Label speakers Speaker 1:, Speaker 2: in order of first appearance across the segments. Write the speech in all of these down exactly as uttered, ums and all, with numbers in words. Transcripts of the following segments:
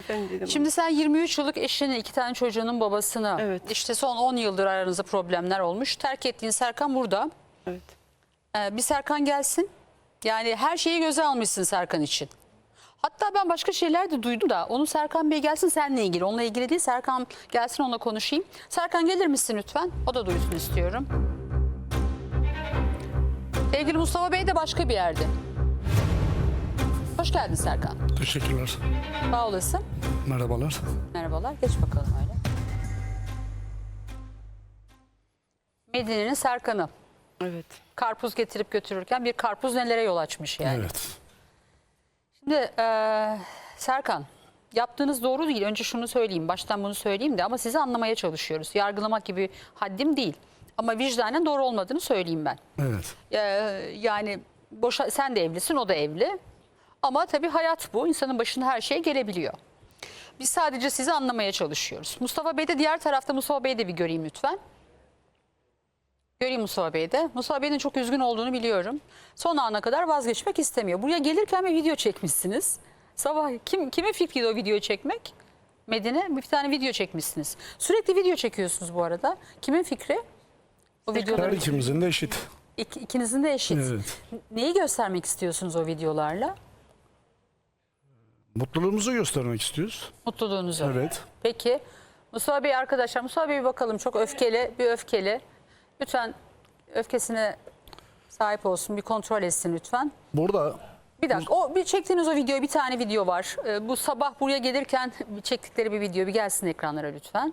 Speaker 1: Ben dedim.
Speaker 2: Şimdi sen yirmi üç yıllık eşinin, iki tane çocuğunun babasını,
Speaker 1: Evet.
Speaker 2: işte son on yıldır aranızda problemler olmuş. Terk ettiğin Serkan burada.
Speaker 1: Evet.
Speaker 2: Ee, bir Serkan gelsin. Yani her şeyi göze almışsın Serkan için. Hatta ben başka şeyler de duydum da onu Serkan Bey gelsin seninle ilgili. Onunla ilgili değil, Serkan gelsin onunla konuşayım. Serkan gelir misin lütfen? O da duysun istiyorum. Sevgili Mustafa Bey de başka bir yerde. Hoş geldin Serkan.
Speaker 3: Teşekkürler.
Speaker 2: Sağ olasın.
Speaker 3: Merhabalar.
Speaker 2: Merhabalar. Geç bakalım öyle. Medine'nin Serkan'ı.
Speaker 1: Evet.
Speaker 2: Karpuz getirip götürürken bir karpuz nelere yol açmış yani.
Speaker 3: Evet.
Speaker 2: Şimdi e, Serkan, yaptığınız doğru değil. Önce şunu söyleyeyim, baştan bunu söyleyeyim de ama sizi anlamaya çalışıyoruz. Yargılamak gibi haddim değil. Ama vicdanen doğru olmadığını söyleyeyim ben.
Speaker 3: Evet.
Speaker 2: E, yani boşa, sen de evlisin, o da evli. Ama tabii hayat bu. İnsanın başına her şey gelebiliyor. Biz sadece sizi anlamaya çalışıyoruz. Mustafa Bey de diğer tarafta. Mustafa Bey'i de bir göreyim lütfen. Göreyim Mustafa Bey'i de. Mustafa Bey'in çok üzgün olduğunu biliyorum. Son ana kadar vazgeçmek istemiyor. Buraya gelirken bir video çekmişsiniz. Sabah kim kimin fikriydi o videoyu çekmek? Medine bir tane video çekmişsiniz. Sürekli video çekiyorsunuz bu arada. Kimin fikri? O
Speaker 3: Her
Speaker 2: videoları.
Speaker 3: ikimizin de eşit.
Speaker 2: İk, ikinizin de eşit.
Speaker 3: Evet.
Speaker 2: Neyi göstermek istiyorsunuz o videolarla?
Speaker 3: Mutluluğumuzu göstermek istiyoruz.
Speaker 2: Mutluluğunuzu.
Speaker 3: Evet.
Speaker 2: Peki. Mustafa Bey arkadaşlar. Mustafa Bey bir bakalım. Çok öfkeli. Bir öfkeli. Lütfen öfkesine sahip olsun. Bir kontrol etsin lütfen.
Speaker 3: Burada
Speaker 2: Bir dakika. O bir çektiğiniz o video, bir tane video var. Ee, bu sabah buraya gelirken çektikleri bir video bir gelsin ekranlara lütfen.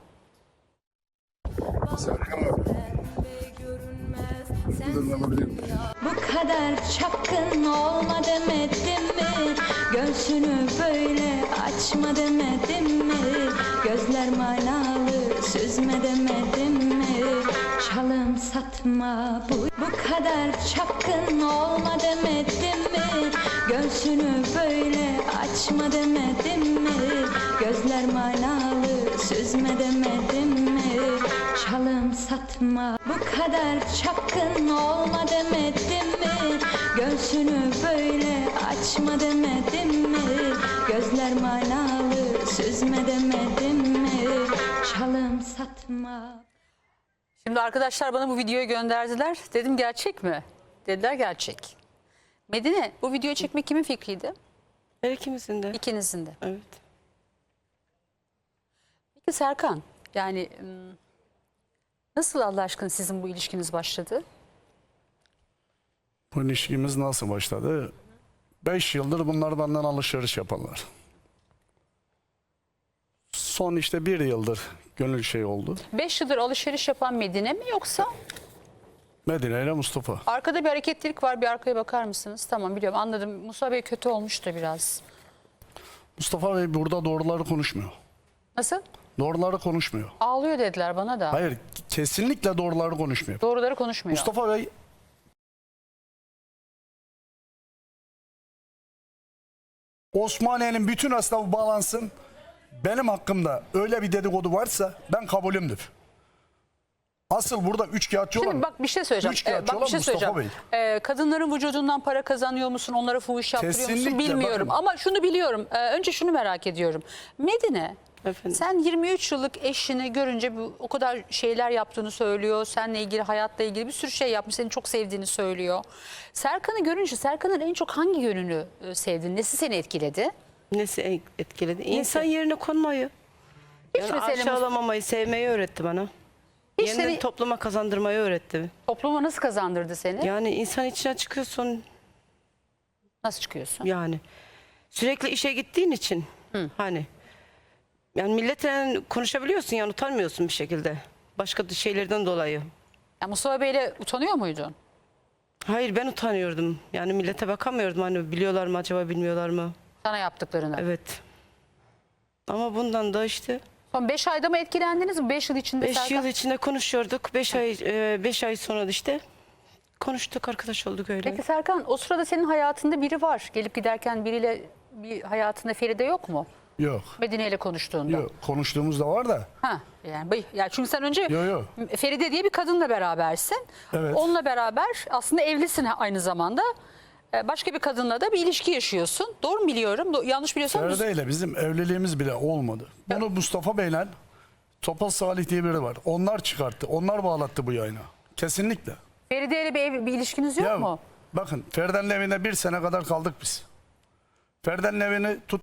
Speaker 4: Bu kadar çapkın olma demedim mi? Göğsünü böyle açma demedim mi? Gözler manalı süzme demedim mi? Çalım satma bu, bu kadar çapkın olma demedim mi? Göğsünü böyle açma demedim mi? Gözler manalı süzme demedim mi? Çalım satma bu kadar çapkın olma demedim mi? Göğsünü böyle açma demedim mi? Gözler manalı süzme demedim mi? Çalım satma.
Speaker 2: Şimdi arkadaşlar bana bu videoyu gönderdiler. Dedim gerçek mi? Dediler gerçek. Medine bu videoyu çekmek kimin fikriydi?
Speaker 1: Her ikimizin de.
Speaker 2: İkinizin de.
Speaker 1: Evet.
Speaker 2: Peki Serkan, yani ım, nasıl Allah aşkına sizin bu ilişkiniz başladı?
Speaker 3: bu ilişkimiz nasıl başladı? Beş yıldır bunlar benden alışveriş yaparlar. Son işte bir yıldır gönül şey oldu.
Speaker 2: Beş yıldır alışveriş yapan Medine mi yoksa?
Speaker 3: Medine ile Mustafa.
Speaker 2: Arkada bir hareketlilik var, bir arkaya bakar mısınız? Tamam biliyorum, anladım. Musa Bey kötü olmuş da biraz.
Speaker 3: Mustafa Bey burada doğruları konuşmuyor.
Speaker 2: Nasıl?
Speaker 3: Doğruları konuşmuyor.
Speaker 2: Ağlıyor dediler bana da.
Speaker 3: Hayır, kesinlikle doğruları konuşmuyor.
Speaker 2: Doğruları konuşmuyor.
Speaker 3: Mustafa Bey Osmaniye'nin bütün esnafı bağlansın. Benim hakkımda öyle bir dedikodu varsa ben kabulümdür. Asıl burada üçkağıtçı olan,
Speaker 2: Şimdi bak bir şey söyleyeceğim.
Speaker 3: üçkağıtçı
Speaker 2: Ee, bak bir
Speaker 3: olan
Speaker 2: şey
Speaker 3: Mustafa
Speaker 2: söyleyeceğim.
Speaker 3: Bey.
Speaker 2: Ee, kadınların vücudundan para kazanıyor musun? Onlara fuhuş yaptırıyor musun?
Speaker 3: Kesinlikle,
Speaker 2: Bilmiyorum.
Speaker 3: bakın.
Speaker 2: Ama şunu biliyorum. Ee, önce şunu merak ediyorum. Medine,
Speaker 1: Efendim?
Speaker 2: sen yirmi üç yıllık eşini görünce bu, o kadar şeyler yaptığını söylüyor. Seninle ilgili, hayatla ilgili bir sürü şey yapmış. Seni çok sevdiğini söylüyor. Serkan'ı görünce Serkan'ın en çok hangi yönünü e, sevdin? Nesi seni etkiledi?
Speaker 1: Nesi etkiledi? İnsan yerine konmayı.
Speaker 2: Hiç
Speaker 1: Yani
Speaker 2: mesela
Speaker 1: aşağılamamayı, sevmeyi öğretti bana.
Speaker 2: Hiç
Speaker 1: Yeniden
Speaker 2: seni
Speaker 1: topluma kazandırmayı öğretti.
Speaker 2: topluma nasıl kazandırdı seni?
Speaker 1: Yani insan içine çıkıyorsun
Speaker 2: Nasıl çıkıyorsun?
Speaker 1: yani. Sürekli işe gittiğin için hani yani milletle konuşabiliyorsun yani utanmıyorsun bir şekilde. Başka şeylerden dolayı.
Speaker 2: Ya Mustafa Bey'le utanıyor muydun?
Speaker 1: Hayır ben utanıyordum. Yani millete bakamıyordum hani biliyorlar mı acaba bilmiyorlar mı?
Speaker 2: Sana yaptıklarını.
Speaker 1: Evet. Ama bundan da işte
Speaker 2: Son beş ayda mı etkilendiniz mi? beş yıl içinde
Speaker 1: beş
Speaker 2: Serkan?
Speaker 1: yıl içinde konuşuyorduk. beş ay beş ay sonra da işte konuştuk, arkadaş olduk öyle.
Speaker 2: Peki Serkan, o sırada senin hayatında biri var. Gelip giderken biriyle bir hayatında Feride yok mu?
Speaker 3: Yok.
Speaker 2: Medine ile konuştuğunda.
Speaker 3: Yok. Konuştuğumuz da var da.
Speaker 2: Ha, yani, bıy- yani çünkü sen önce
Speaker 3: Yok, yok.
Speaker 2: Feride diye bir kadınla berabersin.
Speaker 3: Evet.
Speaker 2: Onunla beraber aslında evlisin aynı zamanda. e, başka bir kadınla da bir ilişki yaşıyorsun. Doğru mu biliyorum? Do- yanlış biliyorsam düz-
Speaker 3: Feride ile bizim evliliğimiz bile olmadı. Bunu Mustafa Bey'le Topal Salih diye biri var. Onlar çıkarttı. Onlar bağlattı bu yayına. Kesinlikle.
Speaker 2: Feride ile bir, ev, bir ilişkiniz yok
Speaker 3: Ya
Speaker 2: mu?
Speaker 3: bakın Feride'nin evinde bir sene kadar kaldık biz. Feride'nin evini tut.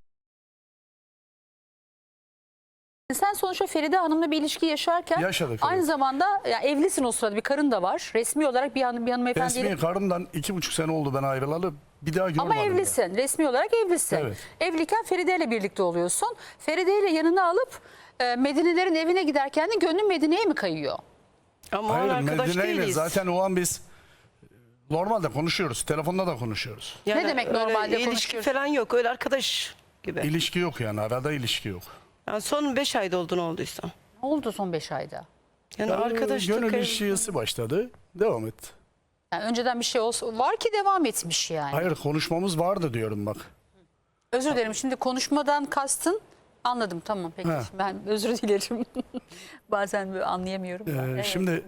Speaker 2: Sen sonuçta Feride Hanım'la bir ilişki yaşarken
Speaker 3: Yaşadık,
Speaker 2: aynı
Speaker 3: evet.
Speaker 2: zamanda yani evlisin o sırada, bir karın da var. Resmi olarak bir, hanım, bir hanımefendiyle.
Speaker 3: Resmi karımdan iki buçuk sene oldu ben ayrılalı. Bir daha görmedim.
Speaker 2: Ama
Speaker 3: ben.
Speaker 2: evlisin. Resmi olarak evlisin.
Speaker 3: Evet.
Speaker 2: Evliyken Feride ile birlikte oluyorsun. Feride ile yanına alıp e, Medine'lerin evine giderken de gönlün Medine'ye mi kayıyor?
Speaker 1: Ama o
Speaker 3: Hayır
Speaker 1: arkadaş
Speaker 3: Medine ile
Speaker 1: değiliz.
Speaker 3: zaten o an biz normalde konuşuyoruz. Telefonda da konuşuyoruz.
Speaker 2: Ne demek
Speaker 1: öyle
Speaker 2: normalde
Speaker 1: ilişki
Speaker 2: konuşuyoruz?
Speaker 1: falan yok. Öyle arkadaş gibi.
Speaker 3: İlişki yok yani arada ilişki yok.
Speaker 1: Yani son beş ayda oldu ne olduysa.
Speaker 2: Ne oldu son beş ayda?
Speaker 1: Yani
Speaker 3: Yani
Speaker 1: arkadaşlık.
Speaker 3: gönül
Speaker 1: ev-
Speaker 3: ilişkisi başladı. Devam etti.
Speaker 2: Yani önceden bir şey olsa var ki devam etmiş yani.
Speaker 3: Hayır konuşmamız vardı diyorum bak.
Speaker 2: Özür dilerim, şimdi konuşmadan kastın anladım, tamam peki.
Speaker 3: Ha.
Speaker 2: Ben özür dilerim. Bazen böyle anlayamıyorum. da.
Speaker 3: Ee,
Speaker 2: Evet.
Speaker 3: Şimdi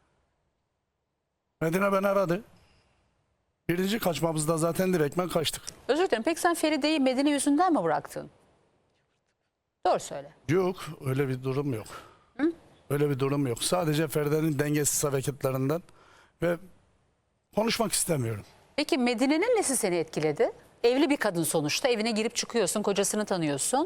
Speaker 3: Medine beni aradı. Birinci kaçmamızda zaten direktmen kaçtık.
Speaker 2: Özür dilerim, peki sen Feride'yi Medine yüzünden mi bıraktın? Doğru söyle.
Speaker 3: Yok öyle bir durum yok. Öyle bir durum yok. Sadece Feride'nin dengesiz hareketlerinden ve konuşmak istemiyorum.
Speaker 2: Peki Medine'nin nesi seni etkiledi? Evli bir kadın sonuçta, evine girip çıkıyorsun, kocasını tanıyorsun.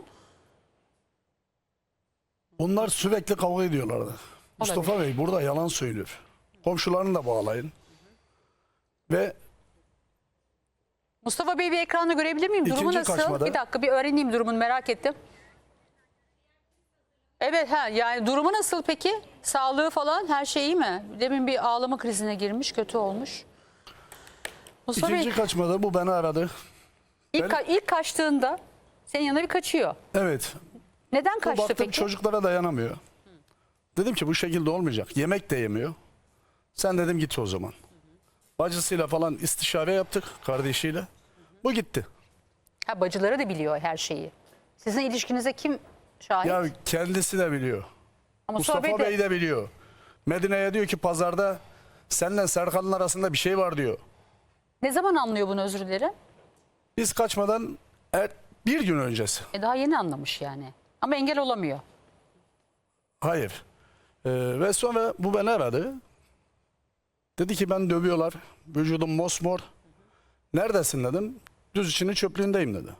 Speaker 3: Onlar sürekli kavga ediyorlardı. Mustafa Bey burada yalan söylüyor. Komşularını da bağlayın. Ve
Speaker 2: Mustafa Bey bir ekranda görebilir miyim? Durumu
Speaker 3: İkinci
Speaker 2: nasıl?
Speaker 3: kaçmada-
Speaker 2: Bir dakika bir öğreneyim durumunu, merak ettim. Evet, ha yani durumu nasıl peki? Sağlığı falan her şey iyi mi? Demin bir ağlama krizine girmiş, kötü olmuş. Mustafa
Speaker 3: ikinci
Speaker 2: Bey
Speaker 3: kaçmada bu beni aradı.
Speaker 2: ilk, ka- ilk kaçtığında senin yanına bir kaçıyor.
Speaker 3: Evet.
Speaker 2: Neden kaçtı
Speaker 3: Baktım
Speaker 2: peki?
Speaker 3: çocuklara dayanamıyor. Dedim ki bu şekilde olmayacak. Yemek de yemiyor. Sen dedim git o zaman. Bacısıyla falan istişare yaptık kardeşiyle. Bu gitti.
Speaker 2: Ha, bacıları da biliyor her şeyi. Sizin ilişkinize kim şahit?
Speaker 3: Ya kendisi de biliyor.
Speaker 2: Ama
Speaker 3: Mustafa
Speaker 2: Mustafa
Speaker 3: Bey
Speaker 2: Bey
Speaker 3: de...
Speaker 2: de...
Speaker 3: biliyor. Medine'ye diyor ki pazarda seninle Serkan'ın arasında bir şey var diyor.
Speaker 2: Ne zaman anlıyor bunu, özür dilerim?
Speaker 3: Biz kaçmadan er, bir gün öncesi.
Speaker 2: E daha yeni anlamış yani. Ama engel olamıyor.
Speaker 3: Hayır. Ee, ve sonra bu beni aradı. Dedi ki ben dövüyorlar. Vücudum mosmor. Neredesin dedim. Düz içinin çöplüğündeyim dedi.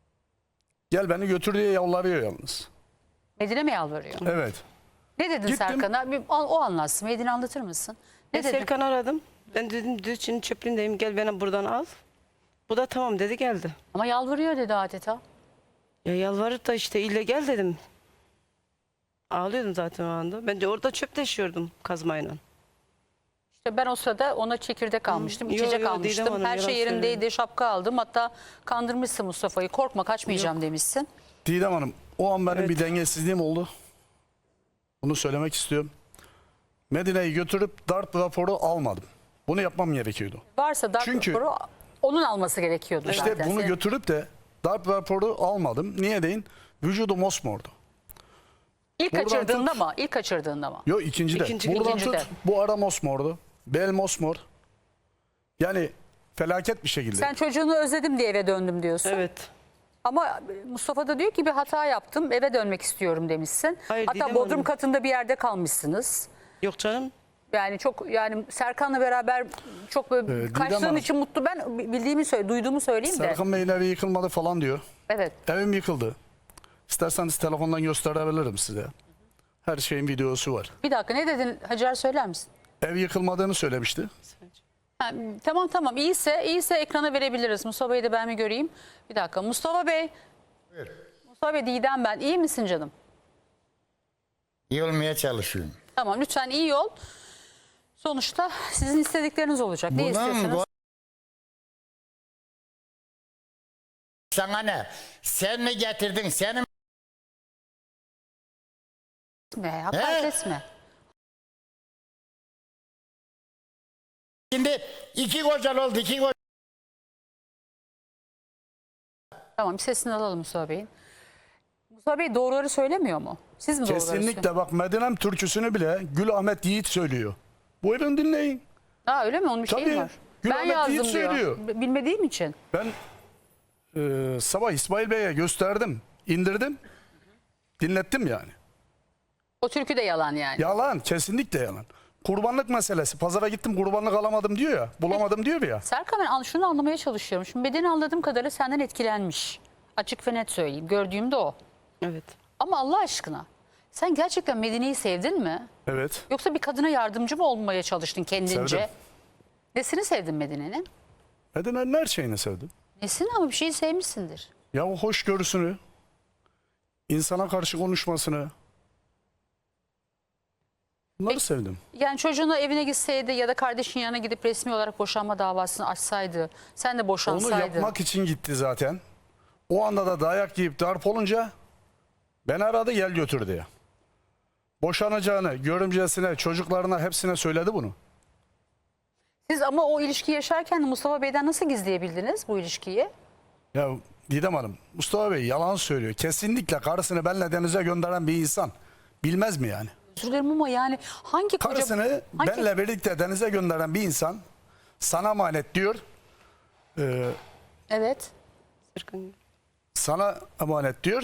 Speaker 3: Gel beni götür diye yalvarıyor yalnız.
Speaker 2: Medine mi yalvarıyor?
Speaker 3: Evet.
Speaker 2: Ne dedin
Speaker 3: Gittim.
Speaker 2: Serkan'a? Bir, o, o anlatsın. Medine anlatır mısın? Ne
Speaker 1: Ben
Speaker 2: dedin?
Speaker 1: Serkan'ı aradım. Ben dedim Düzçin'in çöplüğündeyim. Gel beni buradan al. Bu da tamam dedi, geldi.
Speaker 2: Ama yalvarıyor dedi adeta.
Speaker 1: Ya yalvarıp da işte ille gel dedim. Ağlıyordum zaten o anda. Ben de orada çöp taşıyordum kazmayla.
Speaker 2: İşte ben o sırada ona çekirdek almıştım,
Speaker 1: Yo,
Speaker 2: içecek
Speaker 1: yo, Didem
Speaker 2: almıştım.
Speaker 1: Hanım,
Speaker 2: Her şey
Speaker 1: yalan
Speaker 2: yerindeydi,
Speaker 1: söylüyor.
Speaker 2: şapka aldım. Hatta kandırmışsın Mustafa'yı. Korkma, kaçmayacağım demişsin.
Speaker 3: Didem Hanım o an benim
Speaker 1: Evet.
Speaker 3: bir dengesizliğim oldu. Bunu söylemek istiyorum. Medine'yi götürüp darp raporu almadım. Bunu yapmam gerekiyordu.
Speaker 2: Varsa darp
Speaker 3: Çünkü-
Speaker 2: raporu onun alması gerekiyordu
Speaker 3: İşte
Speaker 2: zaten.
Speaker 3: bunu
Speaker 2: Senin-
Speaker 3: götürüp de darp raporu almadım. Niye deyin? Vücudu mosmordu.
Speaker 2: İlk
Speaker 3: buradan
Speaker 2: kaçırdığında
Speaker 3: tut.
Speaker 2: mı? İlk kaçırdığında mı?
Speaker 3: Yok ikinci de.
Speaker 1: İkinci-
Speaker 3: Buradan
Speaker 2: ikinci
Speaker 3: tut
Speaker 2: de.
Speaker 3: bu ara mosmordu. Bel mosmor. Yani felaket bir şekilde.
Speaker 2: Sen çocuğunu özledim diye eve döndüm diyorsun.
Speaker 1: Evet.
Speaker 2: Ama Mustafa da diyor ki bir hata yaptım, eve dönmek istiyorum demişsin.
Speaker 1: Hayır,
Speaker 2: Hatta
Speaker 1: Didem
Speaker 2: bodrum
Speaker 1: Hanım.
Speaker 2: katında bir yerde kalmışsınız.
Speaker 1: Yok canım.
Speaker 2: Yani çok, yani Serkan'la beraber çok böyle
Speaker 3: Ee, Didem
Speaker 2: kaçtığın
Speaker 3: Hanım.
Speaker 2: için mutlu. Ben bildiğimi söyle, duyduğumu söyleyeyim de.
Speaker 3: Serkan Bey'in evi yıkılmadı falan diyor.
Speaker 2: Evet.
Speaker 3: Evim yıkıldı. İsterseniz telefondan gösterebilirim size. Her şeyin videosu var.
Speaker 2: Bir dakika, ne dedin Hacer, söyler misin?
Speaker 3: Ev yıkılmadığını söylemişti.
Speaker 2: Ha, tamam tamam, iyiyse iyiyse ekrana verebiliriz. Mustafa Bey'i de ben bir göreyim. Bir dakika Mustafa Bey. Mustafa Bey, Didem ben. İyi misin canım?
Speaker 5: İyi olmaya çalışıyorum.
Speaker 2: Tamam, lütfen iyi ol. Sonuçta sizin istedikleriniz olacak. Ne
Speaker 5: Bunun
Speaker 2: istiyorsanız.
Speaker 5: bu... Sana ne? Sen mi getirdin? Senin
Speaker 2: Etme, hakaret
Speaker 5: He?
Speaker 2: etme.
Speaker 5: şimdi iki kocal oldu. iki kocal.
Speaker 2: Tamam, bir sesini alalım Mustafa Bey'in. Mustafa Bey doğruları söylemiyor mu? Siz mi doğruları söylüyorsunuz?
Speaker 3: Kesinlikle bak Medinem türküsünü bile Gül Ahmet Yiğit söylüyor. Buyurun dinleyin.
Speaker 2: Aa, öyle mi? Onun bir şeyi
Speaker 3: Tabii.
Speaker 2: var. Ben
Speaker 3: Ahmet deyip
Speaker 2: yazdım diyor.
Speaker 3: söylüyor.
Speaker 2: B- Bilmediğim için.
Speaker 3: Ben e, sabah İsmail Bey'e gösterdim, indirdim, dinlettim yani.
Speaker 2: O türkü de yalan yani.
Speaker 3: Yalan, kesinlikle yalan. Kurbanlık meselesi. Pazara gittim kurbanlık alamadım diyor ya, bulamadım diyor ya.
Speaker 2: Serkan ben an- şunu anlamaya çalışıyorum. Şimdi bedeni anladığım kadarıyla senden etkilenmiş. Açık ve net söyleyeyim. Gördüğüm de o.
Speaker 1: Evet.
Speaker 2: Ama Allah aşkına sen gerçekten Medine'yi sevdin mi?
Speaker 3: Evet,
Speaker 2: Yoksa bir kadına yardımcı mı olmaya çalıştın kendince?
Speaker 3: Sevdim.
Speaker 2: Nesini sevdin Medine'nin?
Speaker 3: Medine'nin her şeyini sevdim.
Speaker 2: Nesini ama bir şeyi sevmişsindir.
Speaker 3: Ya o hoşgörüsünü, insana karşı konuşmasını, bunları
Speaker 2: Peki.
Speaker 3: sevdim.
Speaker 2: Yani çocuğunu evine gitseydi ya da kardeşin yanına gidip resmi olarak boşanma davasını açsaydı, sen de
Speaker 3: Onu
Speaker 2: boşansaydın.
Speaker 3: yapmak için gitti zaten. O anda da dayak yiyip darp olunca beni aradı, gel götür diye. Boşanacağını görümcesine, çocuklarına hepsine söyledi bunu.
Speaker 2: Siz ama o ilişkiyi yaşarken de Mustafa Bey'den nasıl gizleyebildiniz bu ilişkiyi?
Speaker 3: Ya Didem Hanım, Mustafa Bey yalan söylüyor. Kesinlikle karısını benle denize gönderen bir insan. Bilmez mi yani?
Speaker 2: Özür dilerim ama yani hangi koca...
Speaker 3: Karısını
Speaker 2: hangi-
Speaker 3: benle birlikte denize gönderen bir insan sana emanet diyor. Ee,
Speaker 2: Evet.
Speaker 1: Serkan.
Speaker 3: sana emanet diyor.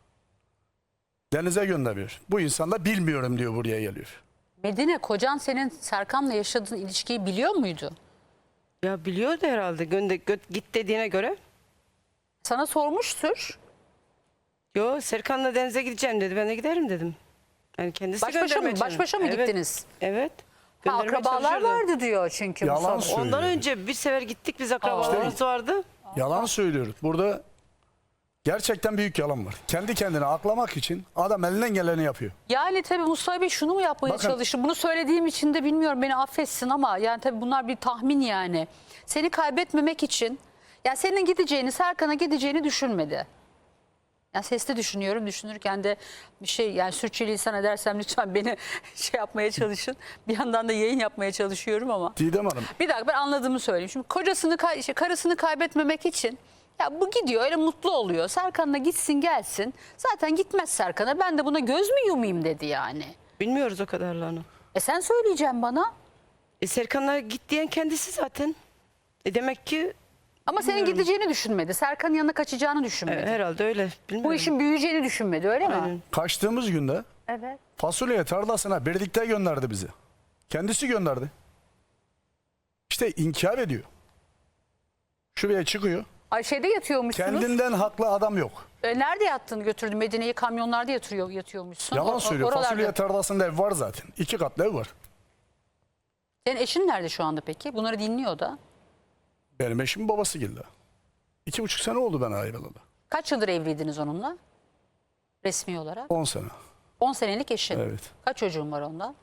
Speaker 3: Denize gönderiyor. Bu insan da bilmiyorum diyor, buraya geliyor.
Speaker 2: Medine, kocan senin Serkan'la yaşadığın ilişkiyi biliyor muydu?
Speaker 1: Ya biliyordu herhalde. Gönde, gö- git dediğine göre.
Speaker 2: Sana sormuştur.
Speaker 1: Yo, Serkan'la denize gideceğim dedi. Ben de giderim dedim. Yani kendisi
Speaker 2: Baş başa mı,
Speaker 1: göndermeye
Speaker 2: baş başa mı
Speaker 1: çalışıyor. Evet,
Speaker 2: gittiniz?
Speaker 1: Evet.
Speaker 2: Ha,
Speaker 1: Göndermeye
Speaker 2: akrabalar
Speaker 1: çalışıyordu.
Speaker 2: vardı diyor çünkü
Speaker 3: Yalan
Speaker 2: Mustafa.
Speaker 3: söylüyor.
Speaker 1: Ondan önce bir sefer gittik biz, akrabalarımız vardı.
Speaker 3: Yalan söylüyor. Burada gerçekten büyük yalan var. Kendi kendine aklamak için adam elinden geleni yapıyor.
Speaker 2: Yani tabii Mustafa Bey şunu mu yapmaya
Speaker 3: Bakın-
Speaker 2: çalıştı? Bunu söylediğim için de bilmiyorum, beni affetsin ama yani tabii bunlar bir tahmin yani. Seni kaybetmemek için, yani senin gideceğini, Serkan'a gideceğini düşünmedi. Yani sesli düşünüyorum, düşünürken de bir şey, yani sürçülisan edersem lütfen beni şey yapmaya çalışın. Bir yandan da yayın yapmaya çalışıyorum ama.
Speaker 3: Didem Hanım,
Speaker 2: Bir dakika, ben anladığımı söyleyeyim. Şimdi kocasını, kay- şey, karısını kaybetmemek için ya bu gidiyor, öyle mutlu oluyor. Serkan'la gitsin gelsin. Zaten gitmez Serkan'a, ben de buna göz mü yumayım dedi yani.
Speaker 1: Bilmiyoruz o kadarlarını.
Speaker 2: E sen söyleyeceksin bana.
Speaker 1: E Serkan'la git diyen kendisi zaten. E demek ki
Speaker 2: Ama senin gideceğini düşünmedi. Serkan'ın yanına kaçacağını
Speaker 1: e,
Speaker 2: düşünmedi.
Speaker 1: herhalde öyle. Bilmiyorum.
Speaker 2: Bu işin büyüyeceğini düşünmedi, öyle mi?
Speaker 1: Aynen.
Speaker 3: kaçtığımız günde
Speaker 2: Evet.
Speaker 3: fasulye tarlasına birlikte gönderdi bizi. Kendisi gönderdi. İşte inkar ediyor. Şuraya çıkıyor.
Speaker 2: Ay şeyde yatıyormuşsunuz.
Speaker 3: Kendinden haklı adam yok.
Speaker 2: E, nerede yattığını götürdü? Medine'yi kamyonlarda yatırıyor, yatıyormuşsun. O-
Speaker 3: Yalan
Speaker 2: o-
Speaker 3: söylüyor.
Speaker 2: oralarda.
Speaker 3: Fasulye tarlasında ev var zaten. İki katlı ev var.
Speaker 2: Senin eşin nerede şu anda peki? Bunları dinliyor da.
Speaker 3: Benim eşimin babası geldi. İki buçuk sene oldu ben ayrılalı.
Speaker 2: Kaç yıldır evliydiniz onunla? Resmi olarak.
Speaker 3: On sene.
Speaker 2: on senelik eşin.
Speaker 3: Evet.
Speaker 2: Kaç çocuğun var ondan?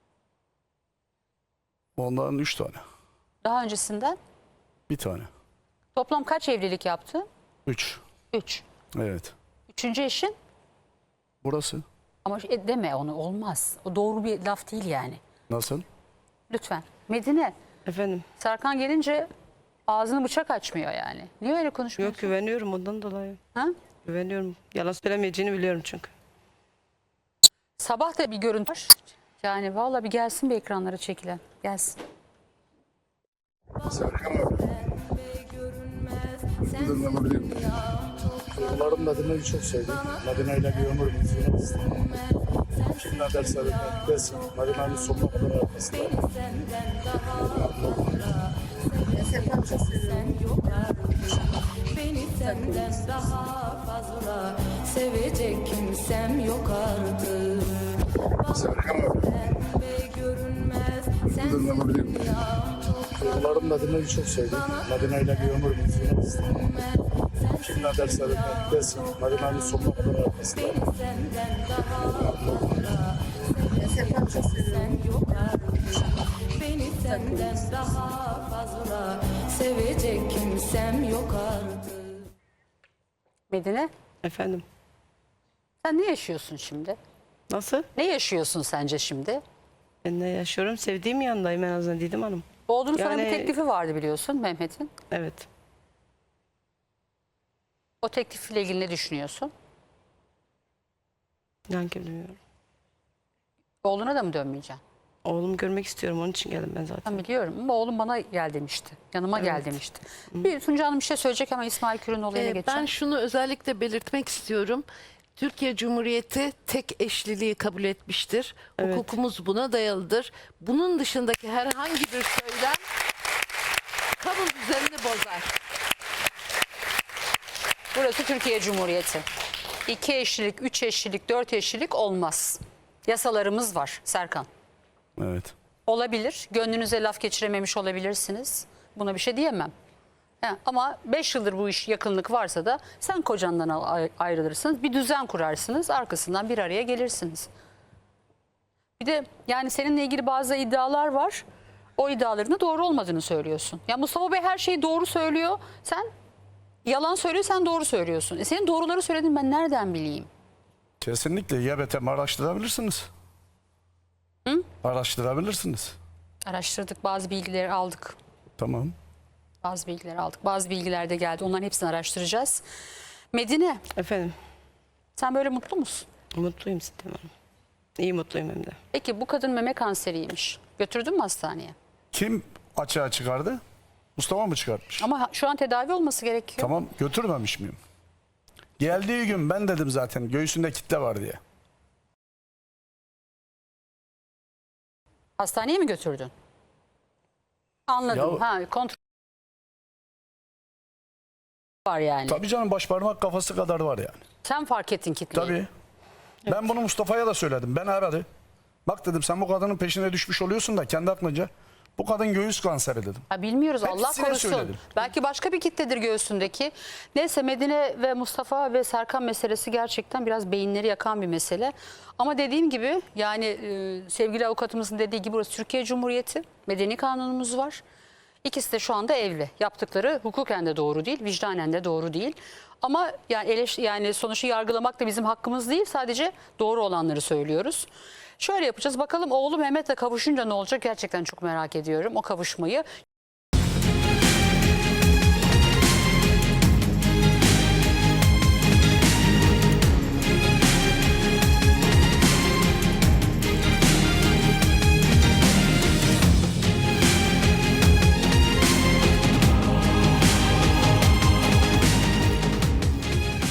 Speaker 3: Ondan üç tane.
Speaker 2: Daha öncesinden
Speaker 3: Bir tane.
Speaker 2: toplam kaç evlilik yaptı?
Speaker 3: Üç.
Speaker 2: Üç.
Speaker 3: Evet.
Speaker 2: Üçüncü eşin?
Speaker 3: Burası.
Speaker 2: Ama e, deme onu, olmaz. O doğru bir laf değil yani.
Speaker 3: Nasıl?
Speaker 2: Lütfen. Medine,
Speaker 1: Efendim.
Speaker 2: Serkan gelince ağzını bıçak açmıyor yani. Niye öyle konuşmuyorsun?
Speaker 1: Yok, güveniyorum ondan dolayı.
Speaker 2: Ha?
Speaker 1: Güveniyorum. Yalan söylemeyeceğini biliyorum çünkü.
Speaker 2: Sabah da bir görüntü var. Yani vallahi bir gelsin bir ekranlara çekilen. Gelsin.
Speaker 3: Serkan abi. Buradan alabilir miyim? Çocuklarım Medine'yi çok sevdi. Medine ile bir ömür geçirmek istedim. Kim ne derse desin. Medine'nin sonuna kadar arkasında.
Speaker 4: Beni senden daha fazla sevecek kimsem yok artık.
Speaker 3: Serkan abi.
Speaker 4: Pembe görünmez
Speaker 3: Buradan alabilir miyim? Çocuklarım Medine'yi çok sevdi. Medine ile bir ömür geçirmek istedim. Kim ne derse desin. Medine'nin sonuna kadar arkasında.
Speaker 4: senden daha fazla sevecek kimsem yok artık. Beni senden daha fazla sevecek kimsem yok artık.
Speaker 2: Medine,
Speaker 1: Efendim.
Speaker 2: sen ne yaşıyorsun şimdi?
Speaker 1: Nasıl?
Speaker 2: Ne yaşıyorsun sence şimdi?
Speaker 1: Ben ne yaşıyorum? Sevdiğim yanındayım en azından Didem Hanım.
Speaker 2: Oğlunun sana bir
Speaker 1: Yani-
Speaker 2: teklifi vardı biliyorsun Mehmet'in.
Speaker 1: Evet.
Speaker 2: O teklifle ilgili ne düşünüyorsun?
Speaker 1: Yani bilmiyorum.
Speaker 2: Oğluna da mı dönmeyeceksin?
Speaker 1: Oğlumu görmek istiyorum, onun için geldim ben zaten.
Speaker 2: Ben biliyorum ama oğlum bana gel demişti. Yanıma gel
Speaker 1: Evet.
Speaker 2: demişti. Bir Tunca Hanım bir şey söyleyecek ama İsmail Kür'ün olayına
Speaker 6: Ee,
Speaker 2: geçeceğim.
Speaker 6: Ben şunu özellikle belirtmek istiyorum. Türkiye Cumhuriyeti tek eşliliği kabul etmiştir.
Speaker 1: Evet.
Speaker 6: Hukukumuz buna dayalıdır. Bunun dışındaki herhangi bir söylem kamu düzenini bozar.
Speaker 2: Burası Türkiye Cumhuriyeti. İki eşlilik, üç eşlilik, dört eşlilik olmaz. Yasalarımız var Serkan.
Speaker 3: Evet.
Speaker 2: Olabilir. Gönlünüze laf geçirememiş olabilirsiniz. Buna bir şey diyemem. He, ama beş yıldır bu iş yakınlık varsa da sen kocandan al- ayrılırsınız. Bir düzen kurarsınız. Arkasından bir araya gelirsiniz. Bir de yani seninle ilgili bazı iddialar var. O iddiaların da doğru olmadığını söylüyorsun. Ya Mustafa Bey her şeyi doğru söylüyor. Sen yalan söylüyor, sen doğru söylüyorsun. E senin doğruları söylediğini ben nereden bileyim?
Speaker 3: Kesinlikle Y B T M araştırabilirsiniz.
Speaker 2: Hı?
Speaker 3: Araştırabilirsiniz.
Speaker 2: Araştırdık, bazı bilgileri aldık.
Speaker 3: Tamam.
Speaker 2: Bazı bilgileri aldık. Bazı bilgiler de geldi. Onların hepsini araştıracağız. Medine,
Speaker 1: Efendim,
Speaker 2: sen böyle mutlu musun?
Speaker 1: mutluyum Sidem Hanım. İyi mutluyum hem de.
Speaker 2: Peki bu kadın meme kanseriymiş. Götürdün mü hastaneye?
Speaker 3: Kim açığa çıkardı? Mustafa mı çıkartmış?
Speaker 2: Ama şu an tedavi olması gerekiyor.
Speaker 3: Tamam, götürmemiş miyim? Geldiği gün ben dedim zaten göğsünde kitle var diye.
Speaker 2: Hastaneye mi götürdün? Anladım.
Speaker 3: Ya-
Speaker 2: Ha, kontrol var yani.
Speaker 3: Tabii canım, baş parmak kafası kadar var yani.
Speaker 2: Sen fark ettin kitleyi.
Speaker 3: Tabii. Ben bunu Mustafa'ya da söyledim. Ben aradı. Bak dedim, sen bu kadının peşine düşmüş oluyorsun da kendi aklınca bu kadın göğüs kanseri dedim.
Speaker 2: Ha, bilmiyoruz, Allah
Speaker 3: Hepsine
Speaker 2: korusun.
Speaker 3: söyledim.
Speaker 2: Belki başka bir kitledir göğsündeki. Neyse, Medine ve Mustafa ve Serkan meselesi gerçekten biraz beyinleri yakan bir mesele. Ama dediğim gibi yani e, sevgili avukatımızın dediği gibi burası Türkiye Cumhuriyeti. Medeni kanunumuz var. İkisi de şu anda evli. Yaptıkları hukuken de doğru değil, vicdanen de doğru değil. Ama yani eleş, yani sonuçta yargılamak da bizim hakkımız değil. Sadece doğru olanları söylüyoruz. Şöyle yapacağız. Bakalım oğlu Mehmet'le kavuşunca ne olacak? Gerçekten çok merak ediyorum o kavuşmayı.